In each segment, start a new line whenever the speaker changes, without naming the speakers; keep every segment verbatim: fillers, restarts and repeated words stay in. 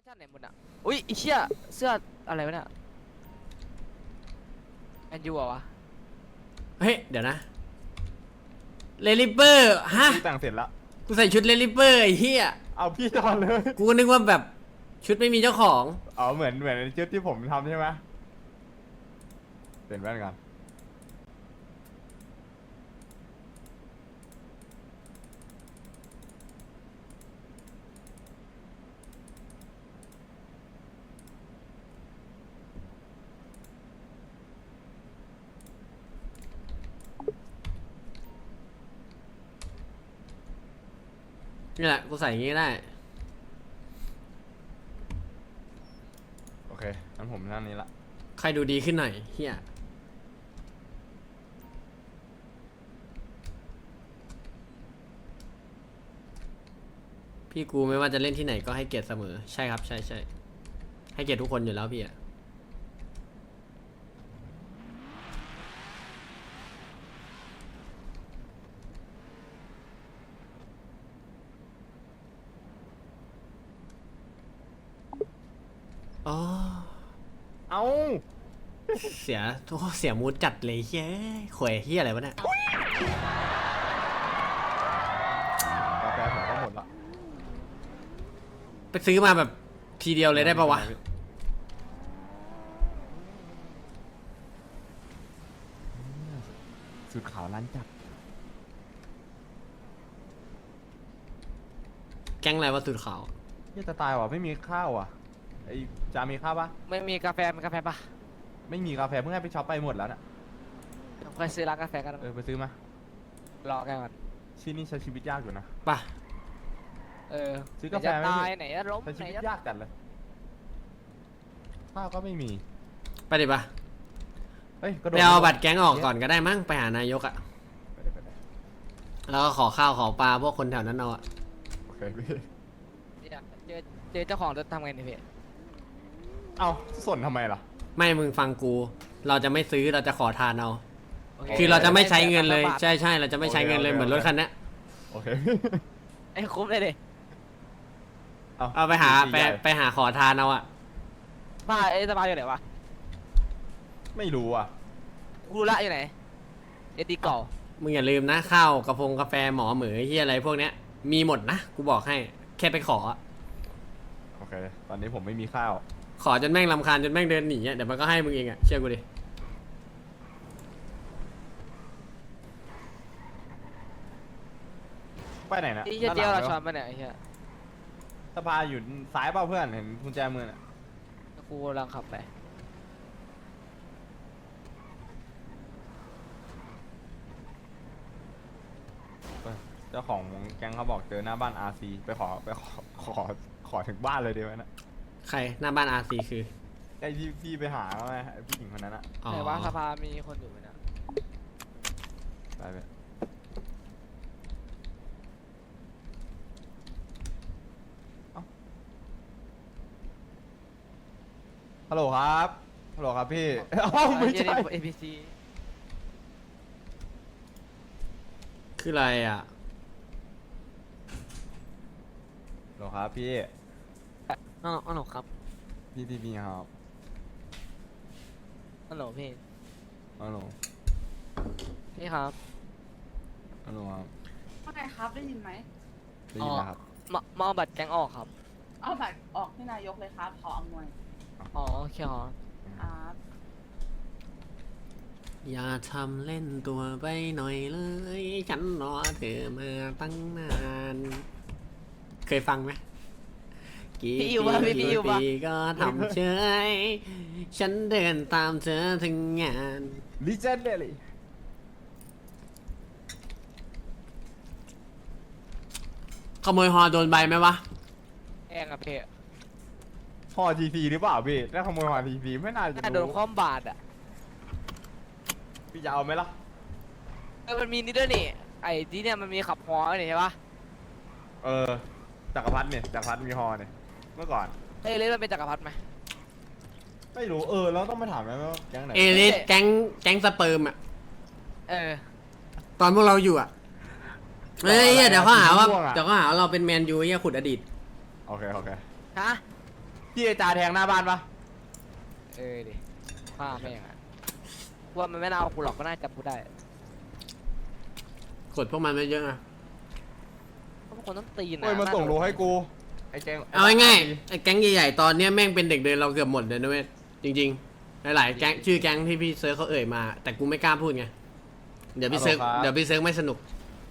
ร์ชันไหนหมดอ่ะอุ้ยไอเชี่ยเสื้ออะไรวะเนี่ยแมนยูเหรอวะ
เฮ้ยเดี๋ยวนะเลลิเปอร์ฮะ
กูแต่งเสร็จแล้ว
กูใส่ชุดเลลิเปอร์ไอ้เหี้ย
เอาพี่ตอนเลย
กูก็นึกว่าแบบชุดไม่มีเจ้าของ
อ๋อเหมือนเหมือนชุดที่ผมทำใช่ไหมเป็นแว่นกัน
นี่แหละกูใส่อย่างงี้ได้
โอเคงั้นผมนั่งนี้ละ
ใครดูดีขึ้นหน่อยเฮียพี่กูไม่ว่าจะเล่นที่ไหนก็ให้เกียรติเสมอใช่ครับใช่ใช่ให้เกียรติทุกคนอยู่แล้วพี่อะอ๋อ
เอา
เสียโอ้เสียมูดจัดเลยเฮ้ยข่วยเฮียอะไรวะเนี่ย
กาแฟผมก็หมดละ
ไปซื้อมาแบบทีเดียวเลยได้ปะวะ
สูตรขาวร้านจับ
แก๊งอะไรวะสุดขาว
เฮียจะตายว่ะไม่มีข้าวอ่ะไอจามีข้าวปะ
ไม่มีกาแฟมีกาแฟปะ
ไม่มีกาแฟเพิ่งให้ไปช็อปไปหมดแล้วน่ะ
เคยซื้อร้านกาแฟกัน
เออไปซื้อมาร
อกันก่อน
ที่นี่ใช้ชีวิตยากอยู่นะ
ป่ะ
เออ
ซื้อกาแฟไม่
ตา
มี
ยไหนจะล้ม
ใช้ชี
ไหน
วิต
จะ
ยากจัดเลยข้าวก็ไม่มี
ไปดิป่ะ
เฮ้ยกระโด
ไป
ด
เอาบัตรแก๊งออกก่อนก็ได้มั้งไปหานายกอะ
ไปเลยไปเลย
แล้วก็ขอข้าวขอปลาพวกคนแถวนั้นเอาอะ
โอเคพี่
เจอเจอเจ้าของจะทำไงเนี่ยพี่
เอาสนทำไมล่ะ
ไม่มึงฟังกู เราจะไม่ซื้อเราจะขอทานเอาคือเราจะไม่ใช้เงินเลยใช่ใช่เราจะไม่ใช้เงินเลยเหมือนรถคันนี้
โอเค
ไอ้คุ้มเลยดิ
เอาไปหาไปไปหาขอทานเอาอะ
บ้าไอ้สบายอยู่ไหนวะ
ไม่รู้อ่ะ
กูรู้ละอยู่ไหนเอ็ดดี้เก่า
มึงอย่าลืมนะข้าวกระพงกาแฟหมอเหมือที่อะไรพวกเนี้ยมีหมดนะกูบอกให้แค่ไปขอ
โอเคตอนนี้ผมไม่มีข้าว
ขอจนแม่งรำคาญจนแม่งเดินหนีอะเดี๋ยวมันก็ให้มึงเองอะเชื่อกูดิ
ไปไหนนะ
ไอ้เหี้ยเจียวเราชอนมาเนี่ยไอ้เหี้ย
สภาอยู่ซ้ายเปล่าเพื่อนเห็นกุญแจมือน่ะ
กูกำลังขับไป
เจ้าของแก๊งเขาบอกเจอหน้าบ้าน อาร์ ซี ไปขอไปขอขอขอถึงบ้านเลยดีไหมนะ
ใครหน้าบ้านอาร์ซีคือ
ไอ้ที่พี่ไปหาเขาไงไอ้ผู้หญิงคนนั้นอะ
ไหนว่าสภามีคนอยู่ไหมนะ
ไปไปฮัลโหลครับฮัลโหลครับพี่เอ้าไม่ใช่
เอพีซี
คืออะไรอะ
ฮัลโหลครับพี่
อ๋ออ๋อครับ
พี่พี่พี่ครับ
ฮัลโหลพี่
ฮัลโหล
พี่ครับ
ฮัลโหลครับ
ว่าไงครับได้ยินไหม
ได้ยินนะครับ
มามาเอาบัตรแก๊งออกครับ
เอาบัตรออกที่นายกเลยครับขออำนวย
อ๋อโอเคครับ
ครับ
อย่าทำเล่นตัวไปหน่อยเลยฉันรอเธอมาตั้งนานเคยฟังไหมกี่ปีกี่ปีก็ทำเฉยฉันเดินตามเธอถึงงาน
ลิเจนเดลี่
ขโมยฮอโดนใบไหมวะ
แองอะพี่
พอทีทีหรือเปล่าพี่ถ้าขโมยพอทีทีไม่น่าจะ
น่าโดน
รู้
คว่ำบาตรอะ
พี่จะเอาไหมล่ะ
เออมันมีนี่ด้วยนี่ไอ้ที่เนี่ยมันมีขับฮอนี่ใช่ปะ
เออจักรพรรดิเนี่ยจักรพรรดิมีฮอเนี่ยเมื่อก่อน
เอ้ยเลยมันเป็นจักรพรรดิไหม
ไม่รู้เออแล้วต้องไปถามไหมว่าแก๊งไหน
เอลิสแก๊งแก๊งสเปิร์มอะ
เออ
ตอนพวกเราอยู่อะเฮ้ยเดี๋ยวเขาหาว่าเดี๋ยวเขาหาว่าเราเป็นแมนยูเฮียขุดอดีต
โอเคโอเค
ฮะ
พี่ไอจาแทงหน้าบ้านปะ
เออดิฆ่าแม่งอะว่ามันไม่น่าเอากูหรอกก็น่าจับกูได้
กดพวกมันไม่เยอะนะ
เพราะพวกคนต้องตีนนะ
เฮ้ยมาส่งโลให้กูไอแกง
เอาง่ายๆไอ้แก๊งใหญ่ๆตอนเนี้ยแม่งเป็นเด็กเดินเราเกือบหมดเลยนะเว้ยจริงๆหลายๆแก๊งชื่อแก๊งที่พี่เซิร์ชเขาเอ่ยมา แต่กูไม่กล้าพูดไงเดี๋ยวพี่เซิร์ชเดี๋ยวพี่เซิร์ชไม่สนุก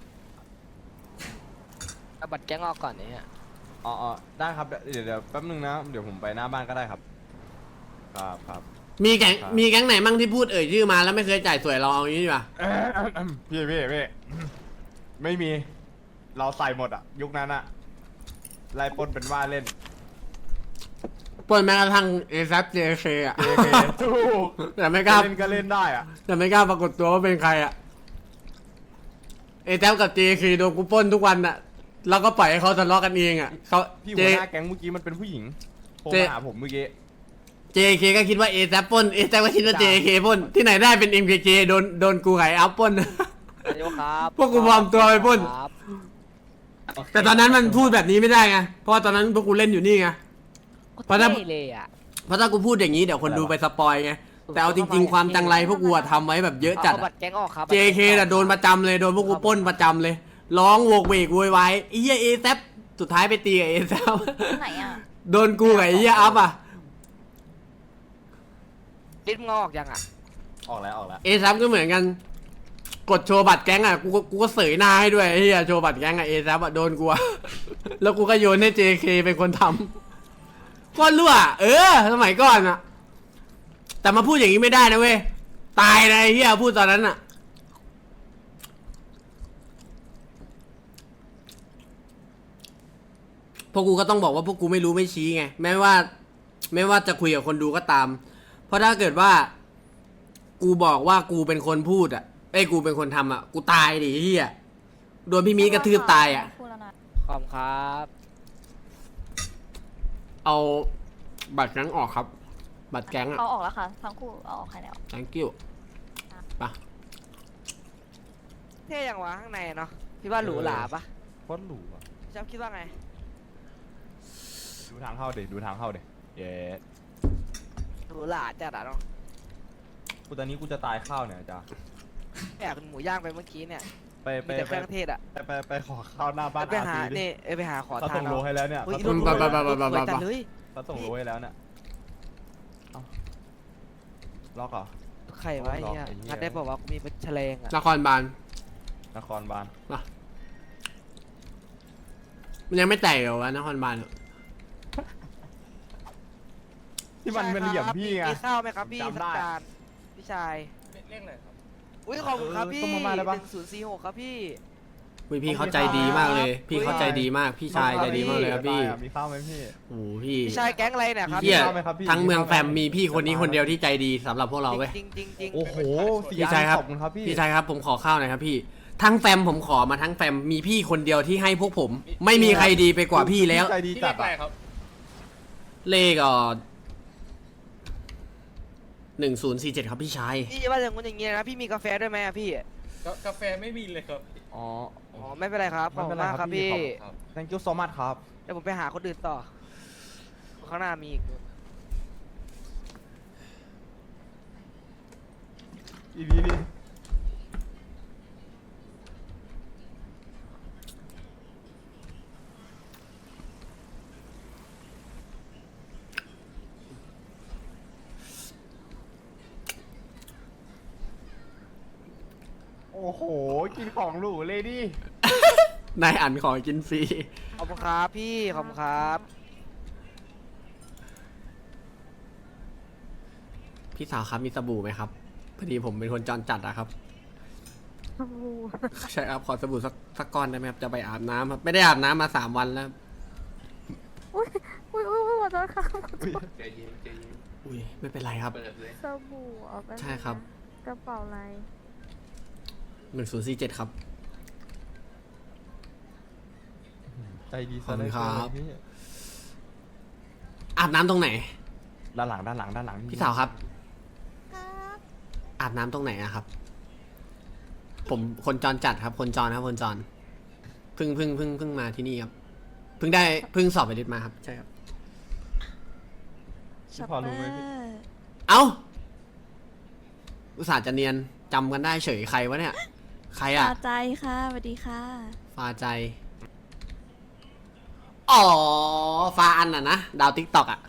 เอาบัตรแก๊งออกก่อนเนี่ย
อ๋ออ๋อได้ครับเดี๋ยวเดี๋ยวแป๊บนึงนะเดี๋ยวผมไปหน้าบ้านก็ได้ครับครับครับ
มีแก๊ง
ครับ
มีแก๊งไหนมั่งที่พูดเอ่ยชื่อมาแล้วไม่เคยจ่ายสวยเราเอาอย่างนี้ดีกว่า
พี่พี่พี่ไม่มีเราใส่หมดอะยุคนั้นอะไล่ปล้นเป็นว่าเล่น
ปล้นแม้กระทั่งเอซับเจเคอะ
เอเคถูก
แต่ไม่กล้า
เล่นก็เล่นได้อะ
แต่ไม่กล้าปรากฏตัวว่าเป็นใครอะเอแซกับเจเคโดนกูปล้นทุกวันอะแล้วก็ปล่อยให้เขาทะเลาะกันเองอะเขา
พี่
เจ
หัวหน้าแก๊งเมื่อกี้มันเป็นผู้หญิงโทร
เจ
มาหาผมเมื่อกี้
เจเคก็คิดว่าเอแซปล้นเอแซก็คิดว่าเจเคปล้นที่ไหนได้เป็นเอ็มเคเคโดนโดนกูไก่อัพปล้น
นายกครับ
พวกกูปลอมตัวไปปล้น
ครับ
แต่ตอนนั้นมันพูดแบบนี้ไม่ได้ไงเพราะว่าตอนนั้นพวกกูเล่นอยู่นี่ไง เพราะถ้า
ท่เลยอ่ะ
เพราะถ้ากูพูดอย่างนี้เดี๋ยวคนดูไปสปอยไงแต่เอาจริงๆความจังไรพวกกูอะทำไว้แบบเยอะจัด
เอา
อะ
บัตรแก๊งออกครับ
เจเคน่ะโดนประจำเลยโดนพวกกูปล้นประจำเลย ร้องโวกเวกโวยวายไอ้เหี้ยเอแซปสุดท้ายไปตีกับเอแซป
ไหนอ่ะ
โดนกูกับไอ้เหี้ยอัพอ่ะ
ลิ้นมึงเอาออกยังอ่ะ
ออกแล้วออกแล้ว
เอแซปก็เหมือนกัน กดโชว์บัตรแก๊งอ่ะกูก็กูก็เสยหน้าให้ด้วยไอ้เหี้ยโชว์บัตรแก๊งอ่ะเอแซปอ่ะโดนกูอะ แล้วกูก็โยนให้เจเคเป็นคนทำก้อนรั่วเออสมัยก่อนอ่ะ แต่มาพูดอย่างนี้ไม่ได้นะเว้ยตายนะไอ้เหี้ยพูดตอนนั้นอ่ะ พวกกูก็ต้องบอกว่าพวกกูไม่รู้ไม่ชี้ไงแม้ว่าไม่ว่าจะคุยกับคนดูก็ตาม เพราะถ้าเกิดว่า กูบอกว่ากูเป็นคนพูดอ่ะไอ้ยกูเป็นคนทำอ่ะกูตายดิเฮียโดนพี่มีกระทืบตายอ่ะ
พูดแล้วนะ
ขอบคุณครับ
เอาบัตรแก๊งออกครับ บัตรแก๊งอ่ะ
เอาออกแล้วค่ะ ทั้งคู่เอาออกใครแล้ว
thank you ปะ
เท่ยังวะข้างในเนาะพี่ว่าหรูหราปะ
โคตรหรูอะ
พี่จ๊บคิดว่าไง
ดูทางเข้าเด็ดูทางเข้าเด็เย้
หรูหราจัดอะเนาะ
กูตอนนี้กูจะตายข้าวเนี่ยจ้า
แอบกินหมูย่างไปเมื่อกี้เนี่ย
ไปไป
มีแต่เค
ไป
รื่องเทศอะ
ไปไปไปขอข้าวหน้าบ้าน
ไปหา
อาร์ซีดิ
นี่เอ้ยไปหาขอ
เขา
ทาน
ส่งโล
เนาะ
ให้แล้วเนี่ย
เฮ้ย
เขา
ร
ส่
ถ
ง
ร
โล
ถ
ให้แล้ว
รถสวยจัดเลย
เขาส่งโลให้แล้วเนี่ยเอ้าล็อกเหรอ
ใครวะไอ้เหี้ย
ไอ้เหี้ย
งัดได้บอกว่ากูมีเป็นแฉลงอะ
นครบาล
นครบาล
มันยังไม่แตกเหรอวะนครบาลอะ
ที่มันเป็นเหลี่ยมพี่ไง
มีข้าวไหมครับพี่
จำได้
สักจานพี่ชาย
เรียกเลยครับ
อุ้ยขอบคุณครับ
เออ
พี่
ต้มมาม่าได้ปะ
หนึ่งศูนย์สี่หกครับพี่
อุ้ยพี่เขาใจดีมากเลย พี่เขาใจดีมากพี่ชายใจดีมากเลยครับพี่
มีข้าวไหมพี่
โอ้โหพี่
พี่ชายแก๊งอะไรเนี่ยครับ
เหี้ย
ข้าวไหมครับพี่
ทั้งเมืองแฟมมีพี่คนนี้คนเดียวที่ใจดีสำหรับพวกเราเว้ย
จริงจริงจริง
โอ้โหสี่
พี่
อัน
ชายครับ
ขอบคุณครับพี่
พี่ชายครับผมขอข้าวหน่อยครับพี่ ทั้งแฟมผมขอมาทั้งแฟมมีพี่คนเดียวที่ให้พวกผม ไม่มีใครดีไปกว่าพี่แล้ว
ใจดี
ที่
จั
เรี
ด
ยกอะไร
อะ
ครับ
เลขอ่อหนึ่งศูนย์สี่เจ็ดครับพี่ชาย
พี่ว่าอย่างงู้นอย่างงี้นะพี่มีกาแฟด้วยไหมอะพี่
กากาแฟไม่มีเลยครับ
อ๋อ
อ๋อไม่เป็นไรครับขอบคุณมากครับพี่
ครับ
thank you so much ครับ
เดี๋ยวผมไปหาคนอื่นต่อข้างหน้ามีอีก
อีพีนี้โอ้โห กินของหรูเลยดิ
นายอันขอกินฟรี
ขอบคุณครับพี่ขอบคุณครับ
พี่สาวครับมีสบู่ไหมครับพอดีผมเป็นคนจรจัดอะครับ
สบู่
ใช่ครับขอสบู่สักสักก้อนได้ไหมครับจะไปอาบน้ำครับไม่ได้อาบน้ำมาสามวันแล้ว
อุ้ยอุ้ยอุ้ยขอโทษครับ
ใจเย็นใจเย็น
อุ้ยไม่เป็นไรครับ
เปิดเลย
สบู่เอาไป
ใช่ครับ
กระเป๋าอะไร
หนึ่งศูนย์สี่เจ็ดครับ
ใจดี
ขอบคุณครับ
พี่
อาบน้ำตรงไหน
ด้านหลังด้านหลังด้านหลัง
พี่สาวครับ อาบน้ำตรงไหนอะครับ ผมคนจรจัดครับ คนจรครับคนจรเพิ่งเพิ่งเพิ่งเพิ่งมาที่นี่ครับเพิ่งได้เพิ่งสอบไปดิดมาครับใช่ครับ
พี่พอรู้ไหมพี่
เอ้าอุตส่าห์จะเนียนจำกันได้เฉยใครวะเนี่ย ใครอะ
ตาใจค่ะสวัสดีค่ะ
ฟาใจ อ๋อ ฟาอันอะนะ ดาวติ๊กตอกอะ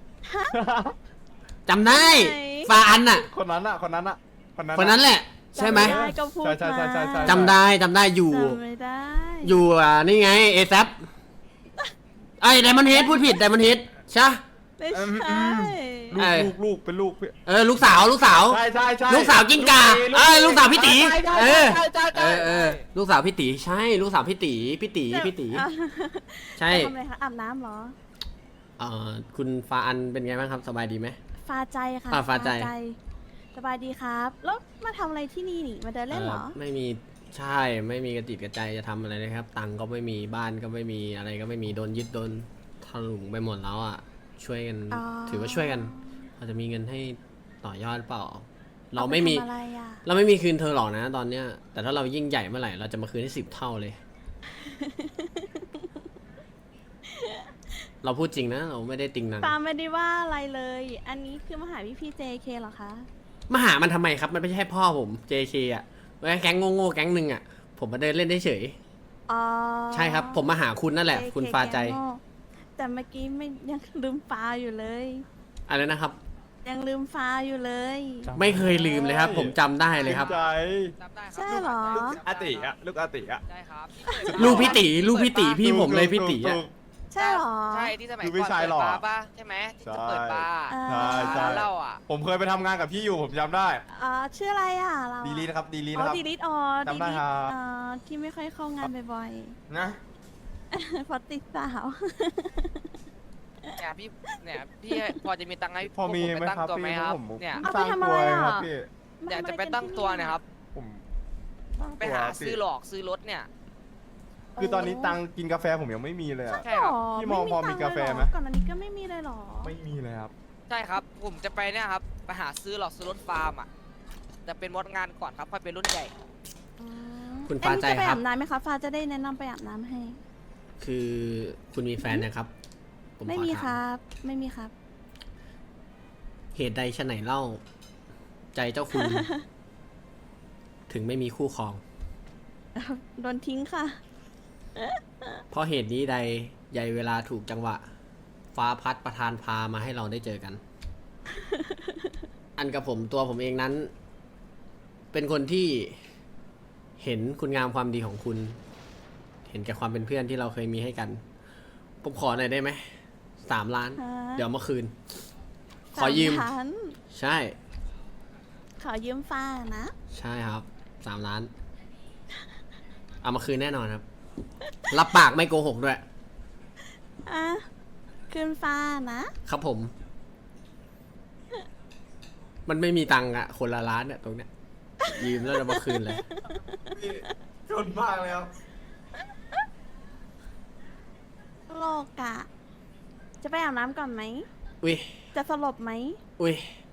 จำได้
ไหน
ฟาอันอะ
คนนั้นอะคนนั้นอะคนนั้น
คนนั้นแหละ ใช่ไหม
จำด้ก็พูด
ใช่ใช่ใช่ใช่ใช่
จำได้จำได้อยู่
จำไม่ได้
อยู่อ่ะนี่ไงเอซับไอ้ไดมอนเฮดพูดผิดไดมอนเฮดใช่
ไม่ใช่
ลูกลูกลูกเป็นลูกพี่
เออลูกสาวลูกสาว
ใช่ใช่ใช่
ลูกสาวกิ้งก่าเอ้ยลูกสาวพี่ตี
ใช่ใช่
เออ
ใช่ใช่ใช่
เออเออลูกสาวพี่ตีใช่ลูกสาวพี่ตีพี่ตีพี่ตี
อ่ะ
ใช่
ทำอะไรคะอาบน้ำเหรอ
เอ่อคุณฟาอันเป็นไงบ้างครับสบายดีไหม
ฟาใจค่ะ
อ่าฟาใจ
สบายดีครับ แล้วมาทำอะไรที่นี่นี่มาเดินเล่นเหรอ
ไม่มีใช่ไม่มีกระจิตกระใจจะทำอะไรเลยครับ ตังค์ก็ไม่มีบ้านก็ไม่มีอะไรก็ไม่มีโดนยึดโดนถลุงไปหมดแล้วอ่ะช่วยกัน
อ๋อ
ถือว่าช่วยกันพอจะมีเงินให้ต่อยอดเปล่า เราไม่มี
อปทำอะไรอ่ะ
เราไม่มีคืนเธอหรอกนะตอนเนี้ย แต่ถ้าเรายิ่งใหญ่เมื่อไหร่เราจะมาคืนให้สิบเท่าเลย เราพูดจริงนะ เราไม่ได้ติงนัง
ปาไม่ได้ว่าอะไรเลย อันนี้คือมาหาพี่พี่เจเคเหรอคะ
มาหามันทำไมครับ มันไม่ใช่พ่อผม เจ เค อ่ะแก๊งโง่ๆแก๊งหนึ่งอ่ะ ผมมาเดินเล่นได้เฉย
อ๋อ
ใช่ครับ ผมมาหาคุณนั่นแหละ
เจเค
คุณฟาใจ
แกงโง่แต่เมื่อกี้ไม่ยังลืมฟ้าอยู่เลย
อะไรนะครับ
ยังลืมฟ้าอยู่เลย
ไม่เคยลืมเลยครับ ผมจำได้เลยครับ
ใจ
จำได้ครับ
ใช่เหรอ
ลูกอาติอะลูกอาติอะ
ใช่ครับ
ลูกพี่ตีลูกพี่ตีพี่ผมเลยพี่ตี
ถู
อ่ะ
ก
ใช่เหรอ
ใช่ที่สมัย
คือ
ก่
ไม่
อน
ใช่
เปิด
หรอก
บาร์ป่ะใช่ไหมที่จะเปิดบาร์
อ่า
ใช่ใช่
ร้านเหล้าอ่ะ
ผมเคยไปทำงานกับพี่อยู่ผมจำได้
อ่าชื่ออะไรอ่ะเรา
ดีลีนะครับ ดีลี
อ๋
นะ
อ
ครับ
ดีลิทอ๋อ
จำได้
ดีลิท
ครับ
อ่าที่ไม่ค่อยเข้างานบ่อย
นะ
ๆ เพราะติดสาว
เนี่ยพี่เนี่ยพี่พอจะมีตังค์ให้
พอมี
ผ
ไหม
ไปตั้ง
ครับ
ตัว
พี่
ไหมครับ
ผม
เนี่ย
เอา
ส
ไป
ร้าง
ทำ
ตั
อะ
ว
ไร
เองค
อ่ะ
รับพี่
อยากจะไปตั้งตัวเนะครับ
ผมสร้าง
ไป
ตัว
หา
พี่
ซื้อหลอกซื้อรถเนี่ย
คือตอนนี้ตังค์กินกาแฟผมยังไม่มีเลยอะ
ใช่ครับ
พี่มองพอมีกาแฟไหม
ก่อนอันนี้ก็ไม่มีเลยเหรอ
ไม่มีเลยครับ
ใช่ครับ ผมจะไปเนี่ยครับไปหาซื้อหลอกซื้อรถฟาร์มอ่ะแต่เป็นมดงานก่อนครับค่อยเป็นรุ่นใหญ่
อืม
คุณฟ้าใจ
อันนี้จะไป
ครั
อา
บ
บน้ำไหมคะฟ้าจะได้แนะนำไปอาบน้ำให้
คือคุณมีแฟนนะครับผม
ไม่
ขอ
มี
ถา
ครับ ไม่มีครับ
เหตุใดชะไหนเล่า ใจเจ้าคุณ ถึงไม่มีคู่ครอง
โดนทิ้งค่ะ
เพราะเหตุนี้ใดใยเวลาถูกจังหวะ ฟ้าพัดประทานพามาให้เราได้เจอกัน อันกับผมตัวผมเองนั้น เป็นคนที่เห็นคุณงามความดีของคุณ เห็นแก่ความเป็นเพื่อนที่เราเคยมีให้กัน ผมขอหน่อยได้ไหมสามล้าน
ฮะ
เดี๋ยวเอามาคืน ขอยืม
สาล้าน
ใช่
ขอยืมฟ้านะ
ใช่ครับสามล้าน เอามาคืนแน่นอนครับ รับปากไม่โกหกด้วย
อ่ะ คืนฟ้านะ
ครับผม มันไม่มีตังค์อะคนละล้านเนี่ยตรงเนี้ย ยืมแล้วเรามาคืนเลย
พี่จนมากเลยครับ
โลกอะจะไปอาบน้ำก่อนไหม
อุ้ย
จะสลบไหม
อุ้ย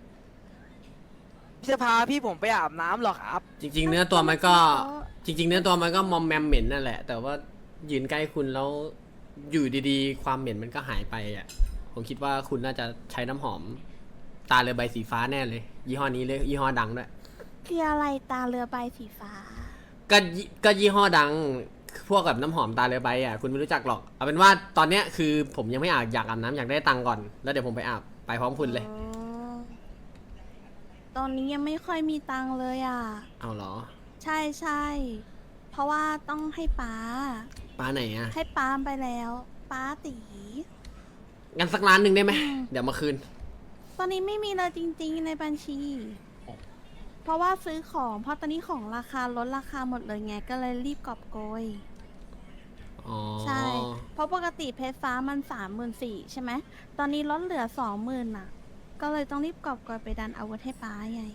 พี่จะพาพี่ผมไปอาบน้ำเหรอครับ
จริง ๆ เนื้อตัวมันก็ จริง ๆ เนื้อตัวมันก็มอมแมมเหม็นนั่นแหละ แต่ว่ายืนใกล้คุณแล้วอยู่ดีๆ ความเหม็นมันก็หายไปอ่ะ ผมคิดว่าคุณน่าจะใช้น้ำหอม ตาเรือใบสีฟ้าแน่เลย ยี่ห้อนี้เลยยี่ห้อดังด้วย
คืออะไรตาเรือใบสีฟ้า
ก็ยี่ก็ยี่ห้อดัง พวกกับน้ำหอมตาเรือใบอ่ะคุณไม่รู้จักหรอก เอาเป็นว่าตอนเนี้ยคือผมยังไม่อาบอยากอาบน้ำอยากได้ตังค์ก่อน แล้วเดี๋ยวผมไปอาบไปพร้อมคุณเลย
อ๋อ ตอนนี้ยังไม่ค่อยมีตังค์เลยอ่ะ
เอาเหรอ
ใช่ใช่ เพราะว่าต้องให้ป้า
ป้าไหนอ่ะ
ให้ป้าไปแล้ว ป้าตี
งั้นสักล้านหนึ่งได้ไหมเดี๋ยวมาคืน
ตอนนี้ไม่มีเลยจริงๆในบัญชี เพราะว่าซื้อของ เพราะตอนนี้ของราคาลดราคาหมดเลยไง ก็เลยรีบกอบโกย
อ๋อ
ใช่ เพราะปกติเพชรฟ้ามันสามหมื่นสี่ใช่ไหม ตอนนี้ลดเหลือสองหมื่นอ่ะ ก็เลยต้องรีบกอบโกยไปดันอาวุธให้ป้าไง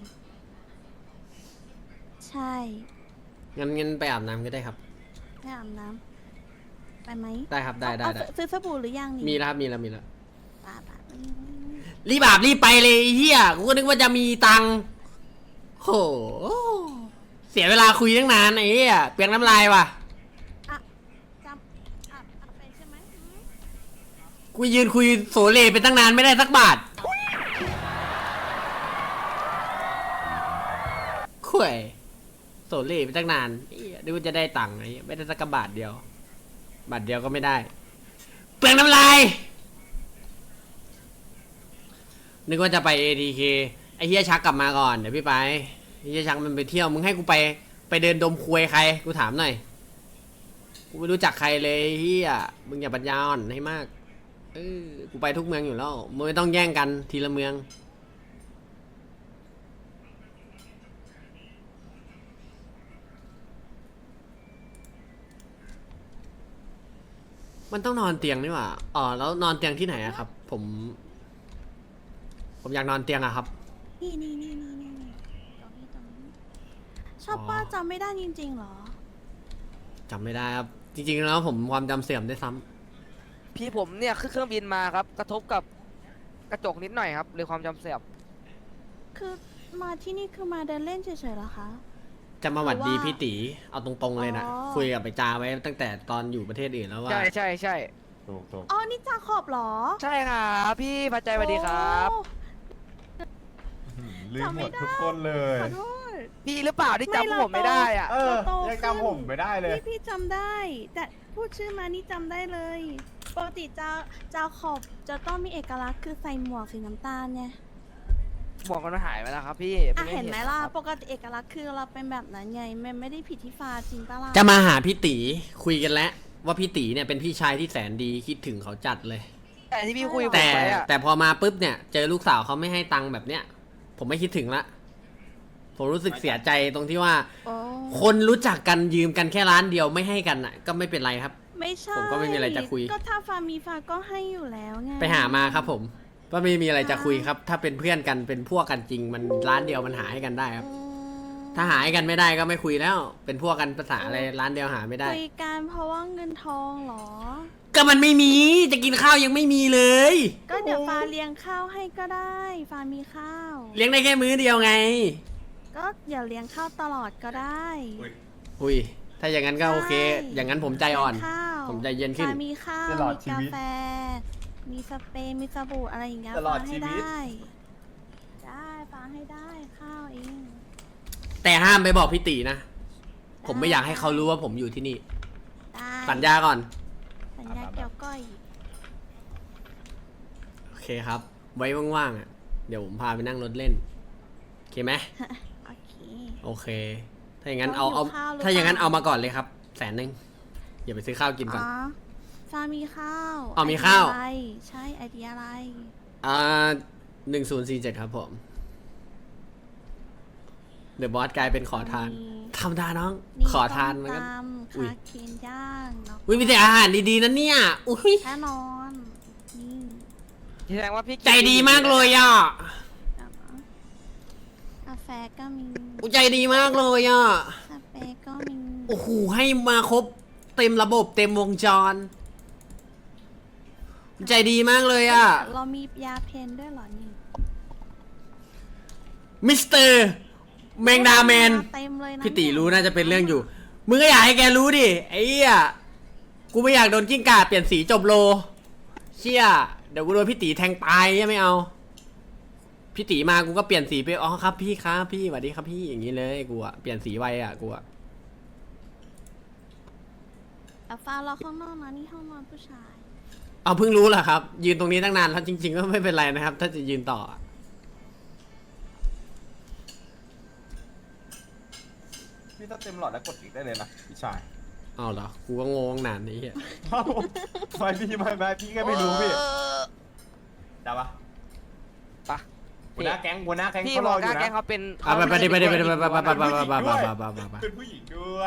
ใช่
งั้นงั้นไปอาบน้ำก็ได้ครับ
ไปอาบน้ำไปไหม
ได้ครับได้ได้
เอา
ได้
ซื้อสบู่หรือยังนี่
มีแล้วครับมีแล้วมีแล้ว
ป้าป้า
รีบอาบรีบไปเลยไอ้เฮียกูก็นึกว่าจะมีตังค์โหเสียเวลาคุยตั้งนานไอ้เฮียเปลียงน้ำลายว่ะ
อ่ะจำอาบอาบไปใช่ไหมอืม
กูยืนคุยโสเลไปตั้งนานไม่ได้สักบาท
อ
ห่วยโซเล่ไปตั้งนานเหี้ยนึกว่าจะได้ตังค์ไอ้เหี้ยไม่ได้สักกระบาทเดียว บาทเดียวก็ไม่ได้ เปลืองน้ำลาย นึกว่าจะไป เอ ที เค ไอ้เฮียชักกลับมาก่อน เดี๋ยวพี่ไปไอ้เฮียชักมันไปเที่ยว มึงให้กูไป ไปเดินดมควยใคร กูถามหน่อย กูไม่รู้จักใครเลยเฮียมึงอย่าปัญญาอ่อนให้มาก เออ กูไปทุกเมืองอยู่แล้ว มึงไม่ต้องแย่งกันทีละเมือง มันต้องนอนเตียงนี่หว่า อ๋อ แล้วนอนเตียงที่ไหนอะครับ ผม ผมอยากนอนเตียงอะครับ
นี่นี่นี่นี่นี่นี่ตรงนี้ตรงนี้ชอบป้าจำไม่ได้จริงๆเหรอ
จำไม่ได้ครับ จริงๆแล้วผมความจำเสื่อมได้วยซ้ำ
พี่ผมเนี่ยขึ้นเครื่องบินมาครับ กระทบกับกระจกนิดหน่อยครับเลยความจำเสื่อม
คือมาที่นี่คือมาเดินเล่นเฉยๆเหรอคะ
จะมาหวัดดี
หรือว่า
พี่ตีเอาตรงๆเลยนะ
อ๋อ
คุยกับไปจาไว้ตั้งแต่ตอนอยู่ประเทศอื่นแล้วว่า
ใช่ใช่ใช่
ถูกถูก
อ๋อ นี่จาขอบเหรอ
ใช่ครับพี่พระใจสวัสดีครับ
โอ้
ลืม
จำ
ห
ไม่
มด
ได้
ทุกคนเลย
ขอโทษ
พี่หรือเปล่าที่
ไม่
จำพวกผมไม่
เราโต
ได้อ่ะ
เออ
เราโต
ยัง
ขึ้น
จำผมไม่ได้เลย
พี่พี่จำได้ แต่พูดชื่อมานี่จำได้เลย ปกติจาจาขอบจะต้องมีเอกลักษณ์คือใส่หมวกสีน้ำตาลไง
หมวกมันหายไปแล้วครับพี่
อ่ะ
พิ่ง
เห็นไหมล่ะ
ครับ
ปกติเอกลักษณ์คือเราเป็นแบบนั้นไงมันไม่ได้ผิดที่ฟ้าจริงปะล่ะ
จะมาหาพี่ตีคุยกันแล้วว่าพี่ตีเนี่ยเป็นพี่ชายที่แสนดีคิดถึงเขาจัดเลย
แต่ที่พี่คุยกับผ
แต่
มไปอ่ะ
แต่พอมาปุ๊บเนี่ย เจอลูกสาวเขาไม่ให้ตังค์แบบเนี้ย ผมไม่คิดถึงละ ผมรู้สึกเสียใจตรงที่ว่า
โอ้
คนรู้จักกันยืมกันแค่ร้านเดียวไม่ให้กันอ่ะ ก็ไม่เป็นไรครับ
ไม่ใช่
ผมก็ไม่มีอะไรจะคุย
ก็ถ้าฟ้ามีฟ้าก็ให้อยู่แล้วไง
ไปหามาครับผมว่าไม่มีอะไรจะคุยครับ ถ้าเป็นเพื่อนกันเป็นพวกกันจริง มันร้านเดียวมันหาให้กันได้ครับ
อืม
ถ้าหาให้กันไม่ได้ก็ไม่คุยแล้ว เป็นพวกกันภาษาอะไรร้านเดียวหาไม่ได้
คุยกันเพราะว่าเงินทองเหรอ
ก็มันไม่มีจะกินข้าวยังไม่มีเลย
ก็เดี๋ยวฟ้าเลี้ยงข้าวให้ก็ได้ฟ้ามีข้าว
เลี้ยงได้แค่มื้อเดียวไง
ก็เดี๋ยวเลี้ยงข้าวตลอดก็ได้
อุ้ยถ้าอย่างนั้นก็โอเค
ใช่
อย่างนั้นผมใจอ่อน
เลี้ยงข้าว
ผมใจเย็นขึ้น
ฟ้ามีข้าว
ตลอด
มี
ชี
กา
วิต
แฟ มีสเปรย์มีสบู่อะไรอย่างเงี้ย
ตลอด
ฟ้าให้
ชีวิต
ได้ได้ฟ้าให้ได้ข้าวเอง
แต่ห้ามไปบอกพี่ตีนะ ผมไม่อยากให้เขารู้ว่าผมอยู่ที่นี่
ได้
สัญญาก่อน
สัญญาเกี่ยวก้อย
โอเคครับ ไว้ว่างๆอ่ะ เดี๋ยวผมพาไปนั่งรถเล่น โอเคไหม
โอเค
โอเค ถ้าอย่างนั้นเอา
เรา
เอา
หิวข้าวหรือ
ถ้าอย่างนั้น
เปล่า
เอามาก่อนเลยครับ แสนหนึ่งอย่าไปซื้อข้าวกินก่อน
อ๋อฟ้ามีข้าว
อ๋อมีข้าว
ไอเดียอะไรใช่ไอเดียอะไร
อ่าหนึ่งศูนย์สี่เจ็ดครับผม เดอะบอสกลายเป็นขอทาน
มี
ธรรมดาน้อง
นี่
ขอทานเหมือนกัน
ส้มตำ
อุ๊ย
คาเคนย่างแล้ว
อุ้ยมีแต่อาหารดีๆนะเนี่ย อุ้ย
แน่นอนนี่
แสดงว่าพี่
ใจดีมากเลยอ่ะ
กาแฟก็มี
อุ๊ยใจดีมากเลยอ่ะ
สเปรย์ก็มี
โอ้โห ให้มาครบเต็มระบบเต็มวงจร ใจดีมากเลยอ่ะ
เรามียาเพนด้วยเหรอนี่
มิสเตอร์แมงดาแมน
เต็มเลยนะ
พี่ตี
เนี่ย
รู้น่าจะเป็นเรื่องอยู่ มึงก็อยากให้แกรู้ดิ ไอ้เหี้ย กูไม่อยากโดนกิ้งก่าเปลี่ยนสีจบโล เชี่ย เดี๋ยวกูโดนพี่ตีแทงตายยังไม่เอา พี่ตีมากูก็เปลี่ยนสีไป อ๋อครับพี่ครับพี่สวัสดีครับพี่อย่างนี้เลยกูอะเปลี่ยนสีไวอะกูอะ
แต่ฟ้ารอข้างนอกนะนี่ห้องนอนผู้ชาย
เอาเพิ่งรู้เหรอครับ ยืนตรงนี้ตั้งนานแล้วจริง ๆ ก็ไม่เป็นไรนะครับ ถ้าจะยืนต่ออะ
พี่ถ้าเต็มหลอดแล้วกดอีกได้เลยนะพี่ชาย
เอาเหรอ กูก็งงนานนี้เหี้ย
เอ้าไม่พี่ไม่ไม่พี่ก็ไม่รู้พี่ได้ปะ
ปะ
หัวหน้าแก๊งหัวหน้าแก๊ง
พี่
เขา
บ
ร
อ
อก อยู่
กล้าแกล้
นะ
งเขาเป็น
เอาไปไปดิไปดิไปดิไปไปไปไปไปไปไปไปไป
เป็นผู้หญิงด้วย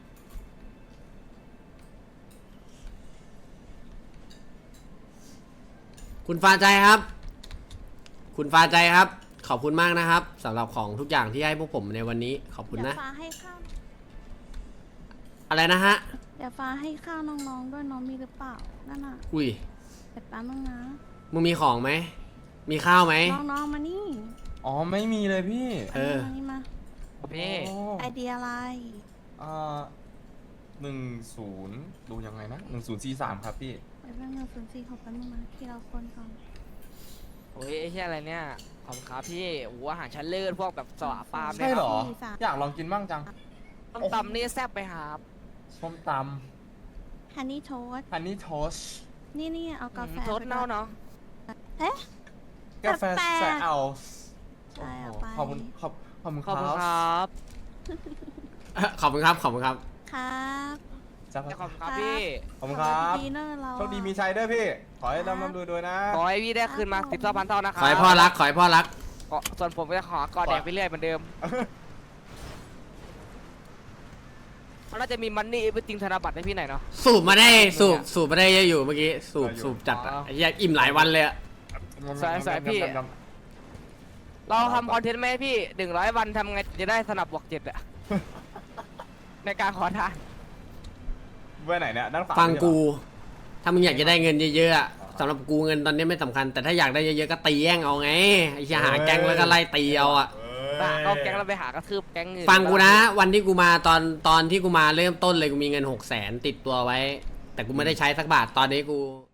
คุณฟ้าใจครับ คุณฟ้าใจครับ ขอบคุณมากนะครับสำหรับของทุกอย่างที่ให้พวกผมในวันนี้ ขอบคุณ
เดี๋ย
นะ
วฟ้าให้ข้าว
อะไรนะฮะ
เดี๋ยวฟ้าให้ข้าวน้องๆด้วยน้องมีหรือเปล่านั่นน่ะ
อุ้ย
เดี๋ยวแป๊บนึงนะ
มึงมีของไหม มีข้าวไหม
น้องๆมานี่
อ๋อไม่มีเลยพี่
เออ
มานี่มา
พี่
ไอเดียอะไร
อ่าหนึ่งศูนย์ดูยังไงนะหนึ่งศูนย์สี่สามครับพี่
ไปแป๊บนึงศูนย์สี่หกแป๊บนึงนะที่เราคนก่อน
โอ้ยไอ้เหี้ยอะไรเนี่ย ขขอบคุณครับพี่โอ้โหอาหารชั้นเลิศพวกแบบสวะปลาล์ม
ใช่
เนี่ย
เหรอ
สี่สาม
อยากลองกินบ้างจัง
ต้มตำนี่แซ่บไปครับ
ส้มต
ฮันนี่โทส
ำฮันนี่โทส
นี่นี่เอากาแฟ
โทษเน่าเนาะ
เอ๊ะ
กาแฟ
แปลกๆ
ใส่เอา
ใช่เอา
โอ้โห
ไป
ขอบคุณขอบขอบคุณ
ขอบคุณ
ค
ครับ
เอ่อขอบคุณครับขอบคุณครับ
ครับ
จะ
ขอบคุณครับพี่
ขอบคุณครับ
ดีเนอร์เรา
โชคดีมีชัยด้วยพี่ ขอให้ร่ำร่ำรวยรวยนะ
ขอให้พี่ได้คืนมาสิบเท่าพันเท่านะค
ข
รับ
อให้พ่อรักขอให้พ่อรัก
ก็ส่วนผมก็จะขอกอดแดงไปเรื่อยเหมือนเดิมมันน่าจะมีมันนี่ไปจริงธนบัตรให้พี่หน่อยเนาะ
สูบมาได้สูบสูบมาได้เยอะอยู่เมื่อกี้สูบ
ได้อยู่
สูบจัดอะ
อ๋อ
ไอ้เหี้ยอิ่มหลายวันเลยอะ
สายสายพี่ เราทำคอนเทนต์ไหมพี่หนึ่งร้อยวันทำไงจะได้สนับบวกเจ็ดอะ ในการขอทาน
เว้ยไหนเนี่ยด้านขวา
ฟังกู ถ้ามึงอยากจะได้เงินเยอะๆอะสำหรับกูเงินตอนนี้ไม่สำคัญ แต่ถ้าอยากได้เยอะๆก็ตีแย่งเอาไงไอ้เหี้ยหาแก๊งแล้วก็ไล่ตีเอาอะ
เอ้ย
เอาแก๊งเราไปหากระทืบแก๊งอื่น
ฟังกูนะ วันที่กูมาตอนตอนที่กูมาเริ่มต้นเลยกูมีเงินหกแสนติดตัวไว้ แต่กูไม่ได้ใช้สักบาทตอนนี้กู